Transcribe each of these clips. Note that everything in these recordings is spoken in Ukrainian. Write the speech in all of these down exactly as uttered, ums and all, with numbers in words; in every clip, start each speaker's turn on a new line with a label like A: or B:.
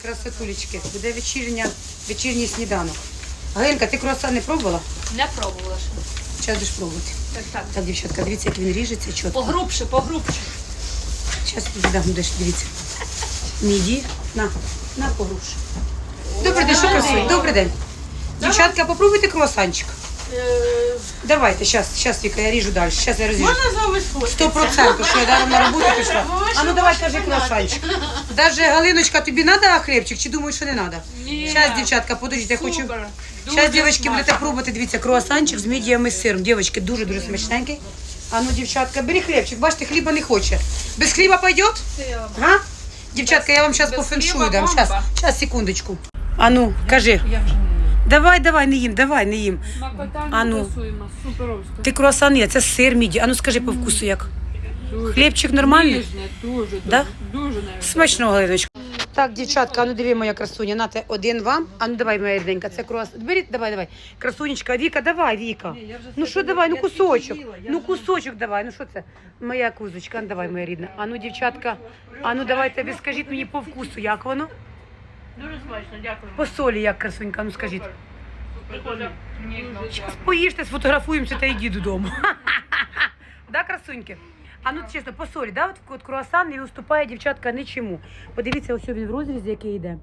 A: красотулечки, буде вечірня, вечірній сніданок. Галинка, ти круасан не пробувала?
B: Не пробувала ще.
A: Зараз будеш пробувати.
B: Так, так.
A: Так, дівчатка, дивіться, як він ріжеться чітко.
B: Погрубше, погрубше.
A: Зараз тобі дам, будеш, дивіться. Міді, на, на погрубше. Добрий день, що красує? Добрий день. Дівчатка, попробуйте круасанчик. Давайте, зараз, зараз, Віка, я ріжу далі. Зараз я розріжу.
C: Можна з вами сфоткатися?
A: Сто процентів, що я даром на роботу пішла. А ну давай, кажи круасанчик. Даже, Галиночка, тобі треба хлібчик чи думаєш, що не треба?
B: Ні.
A: Зараз, дівчатка, подождіть, я хочу.
B: Супер. Дуже
A: Зараз, дівчатки,
B: смачно.
A: будете пробувати, дивіться, круасанчик з мідіями з сиром. Дівчатки, дуже-дуже смачненький. А ну, дівчатка, бери хлібчик, бачите, хліба не хоче. Без хліба пойдет? Га? Дівчатка, я вам зараз
B: без
A: по феншую
B: хліба
A: дам.
B: бомба.
A: Зараз, зараз, секундочку. А ну, кажи.
B: Я вже не їм.
A: Давай, давай, не їм, давай, не їм.
B: Смакота
A: А ну.
B: не тусуємо, суперовська.
A: Ти круасан є, це сир міді. А ну скажи по вкусу як. Хлібчик нормальний?
B: Ніжне, дуже, дуже,
A: Да?
B: дуже навіть.
A: Смачного, Галиночка. Так, дівчатка, а ну диви, моя красуня, нате один вам. А ну давай, моя рідненька, це круасан. Беріть, давай, давай. Красунечка, Віка, давай, Віка. Ну що давай, ну кусочок. Ну кусочок давай, ну що це? Моя кузочка, ну давай, моя рідна. А ну, дівчатка, а ну давайте, ви скажіть мені по вкусу, як воно?
C: Дуже смачно, дякую.
A: По солі, як красунька, ну скажіть.
C: Прикольно.
A: Зараз поїжте, сфотографуємося та йди додому. Да, красуньки? А ну чесно, по солі, да? От, от круасан не уступає, дівчатка, нічому. Подивіться, ось він в розрізі, який йде.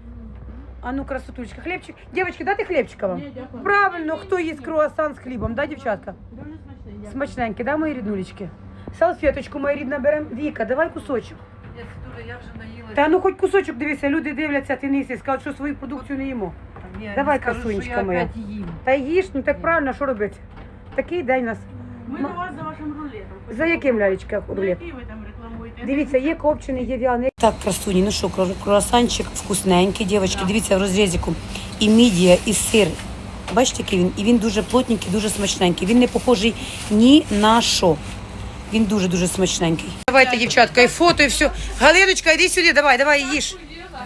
A: А ну, красотулечка, хлібчик. Дівчатки, дати хлібчика вам?
C: Ні, дякую.
A: Правильно, хто їсть круасан з хлібом, да, дівчатка?
C: Дуже смачно, дякую.
A: Смачненькі, да, мої ріднулечки? Салфеточку, моя рідна, беремо. Віка, давай кусочок.
B: Я, дуже, я вже наїлася.
A: Та ну хоч кусочок, дивися, люди дивляться, ти не їси, скажуть, що свою продукцію не їмо.
B: Ні,
A: Давай,
B: не скажу,
A: красунечка
B: що я
A: моя.
B: опять їм.
A: Та їж, ну так правильно, що робити? Такий день у нас.
C: Ми до вас за вашим рулетом.
A: За яким, лялечка,
C: Ну,
A: рулет?
C: який ви там рекламуєте?
A: Дивіться, є копчений, є в'яний. Так, красуні, ну що, кру- круасанчик вкусненький, дівчатки, дивіться в розрізіку. І мідія, і сир. Бачите, який він? І він дуже плотненький, дуже смачненький. Він не похожий ні на що. Він дуже-дуже смачненький. Давайте, дівчатка, і фото, і все. Галиночка, йди сюди, давай, давай, їж.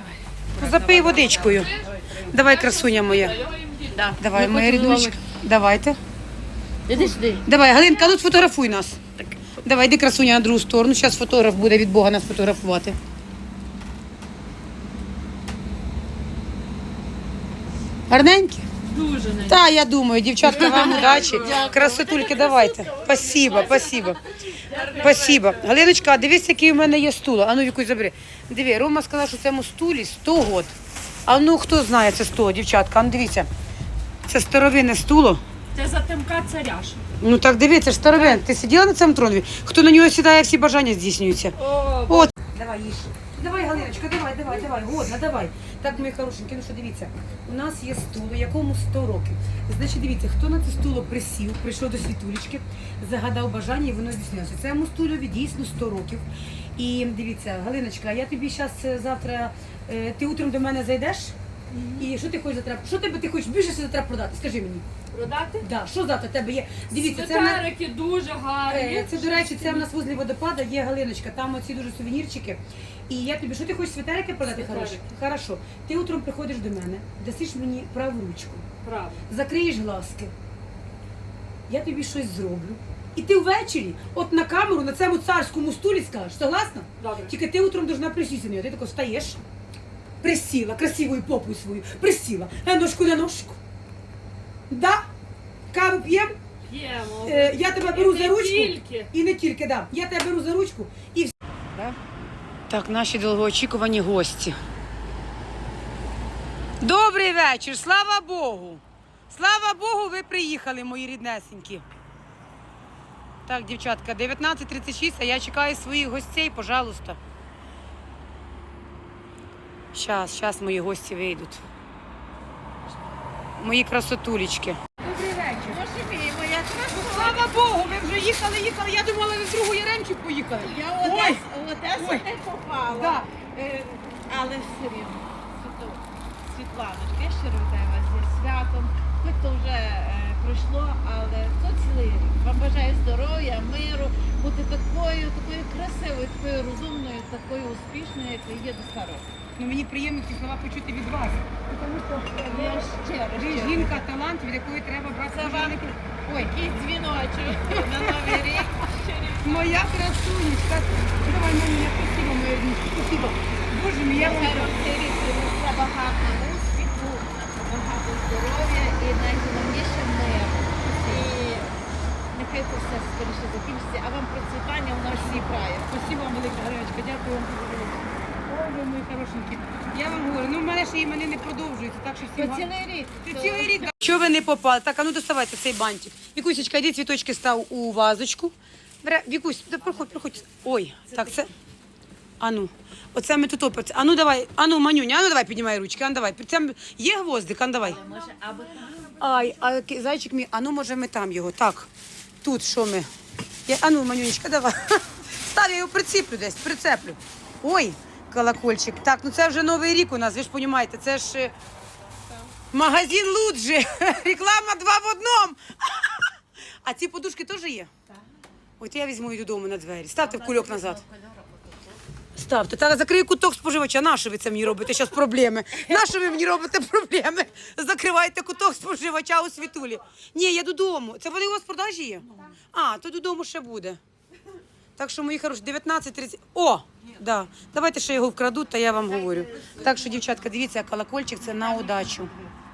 A: Запий водичкою. Давай, красуня моя.
B: Да.
A: Давай, моя рідночка. Давайте.
C: Іди сюди.
A: Давай, Галинка, ну сфотографуй нас. Давай, йди, красуня, на другу сторону. Зараз фотограф буде від Бога нас фотографувати. Гарненькі?
B: Дуже навіть.
A: Та, я думаю, дівчатка, вам удачі. Красотульки, давайте. Спасибо, спасибо. Спасибо. Галиночка, а дивись, який у мене є стул. А ну, Вікусь, забери. Диви, Рома сказав, що цьому стулі сто год. А ну, хто знає це сто, дівчатка? А ну, дивіться. Це старовинне стуло.
B: Це затемка царя ж.
A: Ну так дивіться, ж старовин. Ти сиділа на цьому троні? Хто на нього сідає, всі бажання здійснюються.
B: О,
A: От. Давай, їж. Давай, Галиночка, давай, давай, давай. Годно, давай. Так, мої хорошенькі, ну що дивіться, у нас є стул, якому сто років. Значить, дивіться, хто на це стуло присів, прийшов до світулечки, загадав бажання і воно здійснилося. Цьому стулові дійсно сто років. І дивіться, Галиночка, я тобі зараз завтра, е, ти утром до мене зайдеш? І що ти хочеш завтра? Що тебе ти хочеш більше завтра продати? Скажи мені.
B: продати?
A: Да, що завтра в тебе є? Дивіться, це в мене-
B: Светерики дуже гарні.
A: Е, Це, до речі, це в нас возле водопада є Галиночка, там оці дуже сувенірчики. І я тобі, що ти хочеш світерики продати? Хорошо? Хорошо. Ти утром приходиш до мене, дасиш мені праву ручку,
B: Правда.
A: закриєш глазки, я тобі щось зроблю. І ти ввечері, от на камеру, на цьому царському стулі скажеш, согласна?
B: Добре.
A: Тільки ти утром должна присісти на нього. Ти тако встаєш, присіла, красивою попою свою, присіла, на ножку на ножку. Да? Каву п'ємо?
B: П'ємо.
A: Е, я тебе беру
B: І
A: за
B: не
A: ручку.
B: тільки.
A: І не тільки, да. Я тебе беру за ручку і все. Так, наші довгоочікувані гості. Добрий вечір, слава Богу. Слава Богу, ви приїхали, мої ріднесенькі. Так, дівчатка, дев'ятнадцять тридцять шість, а я чекаю своїх гостей, пожалуйста. Щас, щас мої гості вийдуть. Мої красотулечки.
C: Добрий вечір. Боже мій, моя красуня.
A: Слава Богу, ви вже їхали, їхали. Я думала, ви в другу Яремчик поїхали.
C: Я в
A: Ой,
C: Одесу, в Одесу
A: ой.
C: не попала.
A: Да.
C: Е, Але все рівно. Світо- Світланочка, я щиро вітаю вас зі святом. Хоч то вже е, пройшло, але то цілий рік. Вам бажаю здоров'я, миру, бути такою, такою красивою, такою розумною, такою успішною, як ви є до старого.
A: Ну, мені приємно ці слова почути від вас. Тому що
C: Я щиро,
A: ви
C: щиро.
A: жінка, талант, від якої треба брати.
C: Це вам
A: великий- Ой,
C: Якийсь дзвіночок на новий рік.
A: моя красунечка. Давай мені, спасибо, моя рідничка, спасибо. Боже мій, я вам...
C: Хай вам цей рік здоров'я і найголовніше мир. І нехай це все скоріше закінчиться, а вам процвітання у нашій краї.
A: Спасибо вам велике, Галиночка, дякую вам дуже велике. Ой, ви мої хорошенькі. Я вам говорю, ну в мене ще імени не продовжуються, так що всім
C: По
A: гарно.
C: цілий рік.
A: Ти
C: то-
A: цілий рік. Чого ви не попали? Так, а ну доставайте цей бантик. Вікусечка, йди цвіточки став у вазочку. Бере, Вікусь, да проходь, проходь. Ой, так, це. Ану, оце ми тут опер. Ану, давай, ану, Манюня, ану, давай, піднімай ручки, ану, давай. Там є гвоздик, ану, давай.
C: Може, або там.
A: Ай, а ки- зайчик мій, ану, може ми там його. Так, тут що ми? Я, ану, Манюнечка, давай. Став, я його прицеплю десь, прицеплю. Ой, колокольчик. Так, ну це вже Новий рік у нас, ви ж розумієте, це ж е, магазин Луджі. Реклама два в одному. А ці подушки теж є? Так. От я візьму її додому на двері. Ставте в кульок назад. Ставте. Та закрию куток споживача. Нащо ви це мені робите? Зараз проблеми. Нащо ви мені робите проблеми? Закривайте куток споживача у Світулі. Ні, я додому. Це вони у вас в продажі є? А, то додому ще буде. Так що, мої хороші, дев'ятнадцять тридцять. О! Да. Давайте ще його вкрадуть, та я вам говорю. Так що, дівчатка, дивіться, колокольчик це на удачу.